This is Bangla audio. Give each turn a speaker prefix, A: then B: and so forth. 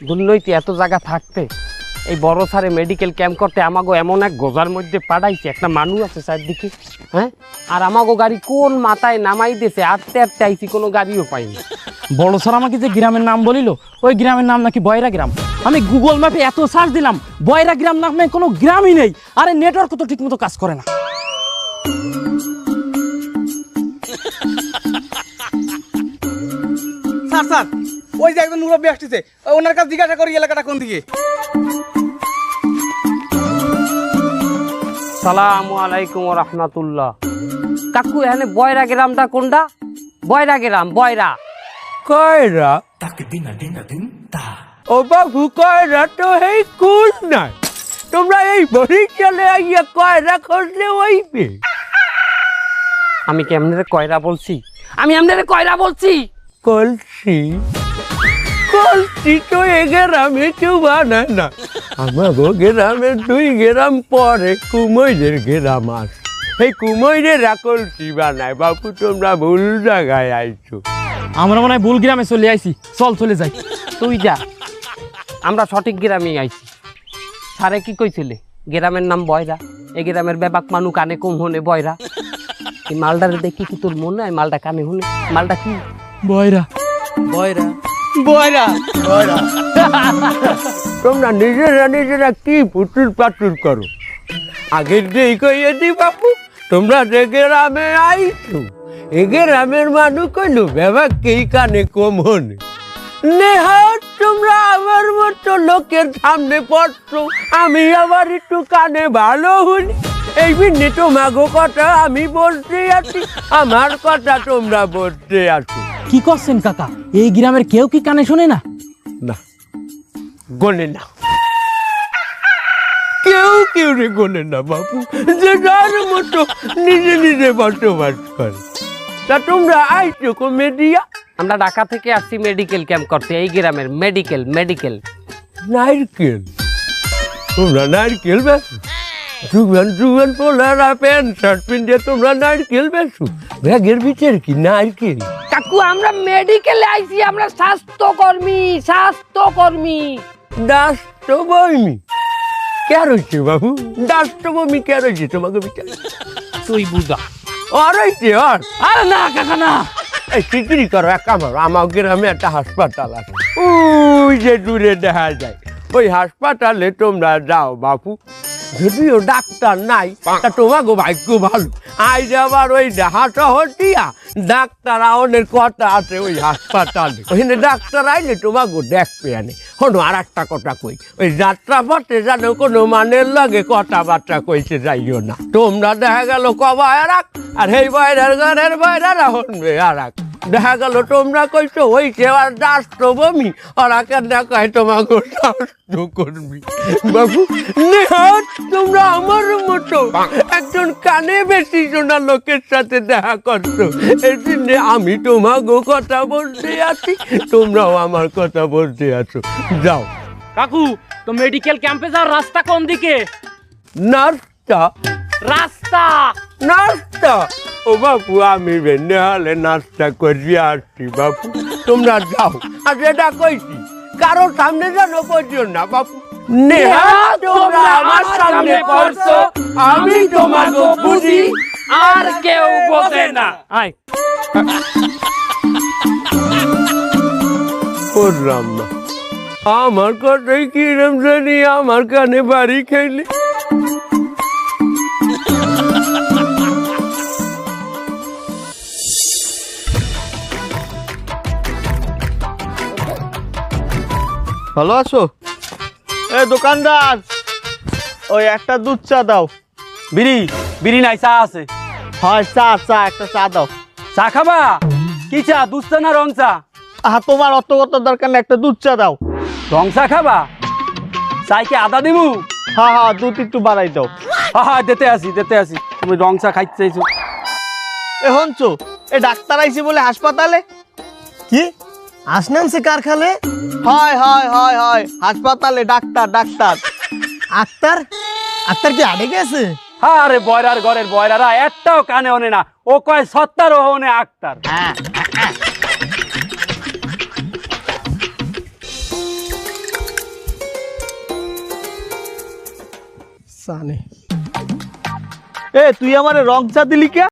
A: দুর্নৈতি এত জায়গা থাকতে এই বড় সারে মেডিকেল ক্যাম্প করতে আমাগো এমন এক গোজার মধ্যে পাঠাইছে, একটা মানুষ আছে চারদিকে, হ্যাঁ, আর আমাগো গাড়ি কোন মাথায় নামাই দিয়েছে, আটতে আটতে আইছি, কোনো গাড়িও পাইনি।
B: বড় স্যার আমাকে যে গ্রামের নাম বলিল, ওই গ্রামের নাম নাকি বয়রা গ্রাম। আমি গুগল ম্যাপে এত সার্চ দিলাম, বয়রা গ্রাম নামে কোনো গ্রামই নেই। আরে নেটওয়ার্ক তো ঠিক মতো কাজ করে না।
C: স্যার স্যার, ওই যে একজন মুরব্বী আসতেছে, ওনার কাছে জিজ্ঞাসা করি এলাকাটা কোন দিকে।
A: সালামু আলাইকুম ওয়া রাহমাতুল্লাহ। কাকু এখানে বয়রা গ্রামটা কোনটা? বয়রা গ্রাম, বয়রা
D: কয়রা ও বাবু, কয়রা তো এই কুল নাই। তোমরা এই বরিশালে আইয়া কয়রা খুঁজলে ওইবে।
A: আমি কি আপনাদের কয়রা বলছি? আমি আপনাদের কয়রা বলছি?
D: কলসি কলসি তো এ গ্রামে কেউ বানায় না। আমার গ্রামের 2 গ্রাম পরে কুমৈরের গ্রাম আছে, এই কুমৈরেরা কলসি বানায়। বাবু তোমরা ভুল জায়গায় আইছো।
B: আমরা মনে হয় ভুল গ্রামে চলে আইছি, চল চলে যাই।
A: তুই যা, আমরা সঠিক গ্রামে আইছি। সারে কি কইছিলে? গ্রামের নাম বয়রা, এই গ্রামের ব্যাপাক মানু কানে কম হনে বয়রা। এই মালটারে দেখি কি তোর মনে হয় মালটা কানে হনে? মালটা কি?
B: বয়রা
C: বয়রা বয়রা বয়রা।
D: তোমরা নিজেরা কি পুতুল পাতুল করো? আগের দিন কইয়ে দি বাপু, তোমরা যে গ্রামে আইছো, এ গ্রামের মানুষ কইলো ব্যাপাক কি কানে কম হনে। নেহাত তোমরা আমার মতো লোকের সামনে পড়ছো, আমি আবার একটু কানে ভালো হলি। এই বিনে তোমাগো কথা আমি বলতে আছি, আমার কথা তোমরা বলতে আছো।
B: কি করছেন কাকা? এই গ্রামের কেউ কি কানে শোনে না?
D: না, গোনে না, কেউ রে গোনে না বাবু, যে যার মতো নিজে বসবাস করে। তা তোমরা আইছো কমেডিয়া?
A: আমরা ঢাকা থেকে আসছি মেডিকেল ক্যাম্প করতে, এই গ্রামের মেডিকেল।
D: নারকেল, তোমরা নারকেল বেছো? জুয়ান পোলারা প্যান্ট শার্ট পিনতে তোমরা নারকেল বেছো? ব্যাগের ভিতরে কি নারকেল?
A: কাকু আমরা মেডিকেলে আইছি, আমরা স্বাস্থ্যকর্মী।
D: ডাস্টবমি কে রয়েছে বাবু? ডাস্টবমি কে রয়েছে তোমাকে ভিতরে?
A: তুই বুঝা।
D: আর রয়েছে আর?
B: আরে না কাকা না,
D: এই চিকিরি করো, এক কাম করো, আমার গ্রামে একটা হাসপাতাল আছে, ওই যে দূরে দেখা যায়, ওই হাসপাতালে তোমরা যাও বাপু। যদিও ডাক্তার নাই, তা তোমাকে ভাগ্য ভালো, আজ আবার ওই হাঁটা হটিয়া ডাক্তার আওনের কথা আছে ওই হাসপাতালে। ওইখানে ডাক্তার আইলে তোমাকে দেখবে আনে। শোনো, আর একটা কথা কই, ওই যাত্রা পথে যেন কোনো মানের লাগে কথাবার্তা কইতে যাইও না। তোমরা দেখা গেল কবা এরাক, আর এই বয়রার ঘরের বয়রারা হনবে আর এক। দেখা গেল তোমরা কইছো হইছে আর রাষ্ট্রবমি, ওরা কেন কয় তোমাকে রাষ্ট্রকর্মী। বাবু নেহাত তোমরা আমার মতো একজন কানে বেশি শোনা লোকের সাথে দেখা করছো, এই জন্য আমি তোমাকে কথা বলতে আছি, তোমরাও আমার কথা বলতে আছো। যাও।
B: কাকু তো মেডিকেল ক্যাম্পে যাওয়ার রাস্তা কোন দিকে?
D: নাস্তা নাস্তা ও বাপু, আমি নেহালে নাস্তা করি আসছি বাপু, তোমরা যাও। আর যেটা কইছি কারো সামনে যেন করছো না বাপু। নেহাত তোমরা আমার সামনে পড়ছো, আমি তোমাকে বুঝি,
A: আর কেউ বোঝে না।
B: আয়
D: করলাম না আমার কথাই কিরম জানি আমার কানে বাড়ি খাইলে।
C: ভালো আছো? এ দোকানদার, ওই একটা দুধ চা দাও।
B: বিড়ি নাই, চা আছে।
C: হয় চা একটা চা দাও।
B: চা খাবা? কি চা, দুধ চা না রং চা?
C: তোমার অত দরকার না, একটা দুধ চা দাও।
B: রং চা খাবা? চাই কি আদা দিবু?
C: হ্যাঁ দুধ একটু বাড়াই দাও।
B: হ্যাঁ দিতে আসি। তুমি রং চা খাইতে চাইছো?
C: এ হনছো, এ ডাক্তার আইছে বলে হাসপাতালে?
E: কি আসনামছে কারখানে?
C: হয় হাসপাতালে ডাক্তার।
E: আক্তার কি আড়ে গেছে?
B: আরে বয়রার ঘরের বয়রারা একটাও কানে ওনে না, ও কয় সত্তার ও ওনে আক্তার।
E: জানে
C: এ তুই আমারে রং চা দিলি কে?